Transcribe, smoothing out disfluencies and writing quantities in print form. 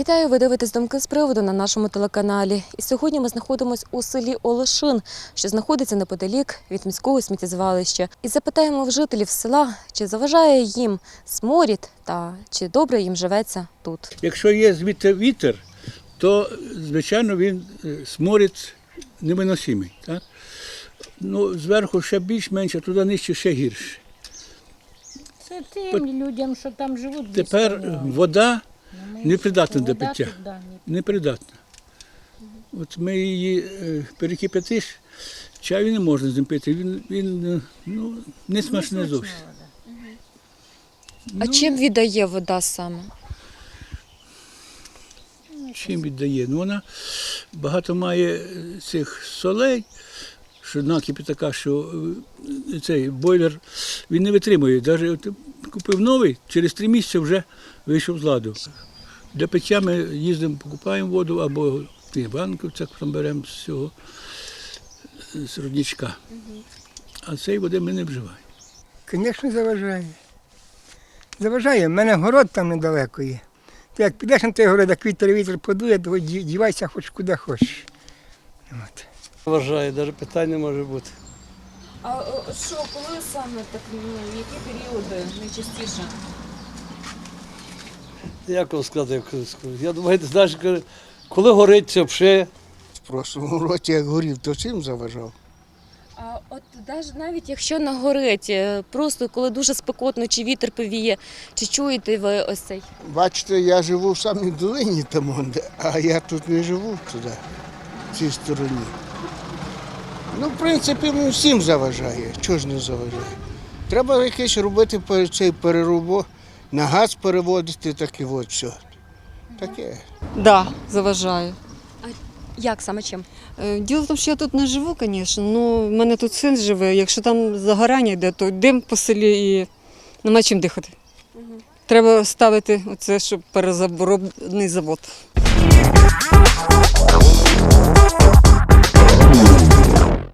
Вітаю, ви дивитесь «Думки з приводу» на нашому телеканалі. І сьогодні ми знаходимося у селі Олешин, що знаходиться неподалік від міського сміттєзвалища. І запитаємо в жителів села, чи заважає їм сморід та чи добре їм живеться тут. Якщо є звідти вітер, то, звичайно, він сморід невиносимий. Так? Ну, зверху ще більш-менш, а туди нижче ще гірше. Це тим людям, що там живуть. Тепер вода непридатна для пиття. Да, Непридатна. От ми її перекип'ятиш, чаю не можна з ним пити, він не смачний зовсім. А чим віддає вода саме? Чим віддає? Ну, вона багато має цих солей, що накипі така, що цей бойлер він не витримує. Навіть купив новий, через 3 місяці вже вийшов з ладу. Для пиття ми їздимо, покупаємо воду або в банківцях там беремо з цього з родничка. А цієї води ми не вживаємо. Звісно, заважає. Заважає. У мене город там недалеко є. Ти як підеш на той город, як вітер подує, то дівайся хоч куди хочеш. От. Вважаю, навіть питань не може бути. А що, коли саме так, які періоди найчастіше? Як вам сказати? Я думаю, ти знаєш, коли горить це взагалі. В прошлому році, як горів, то чим заважав? А от навіть якщо нагорить, просто коли дуже спекотно, чи вітер повіє, чи чуєте ви ось цей? Бачите, я живу в самій долині, там, а я тут не живу туди, в цій стороні. Ну, в принципі, всім заважає. Чого ж не заважає? Треба якесь робити цей переробо, на газ переводити, так і от все. Таке. Да, заважає. Як саме чим? Діло в тому, що я тут не живу, звісно, але в мене тут син живе. Якщо там загорання йде, то дим по селі і нема чим дихати. Треба ставити оце, щоб перезаборобний завод.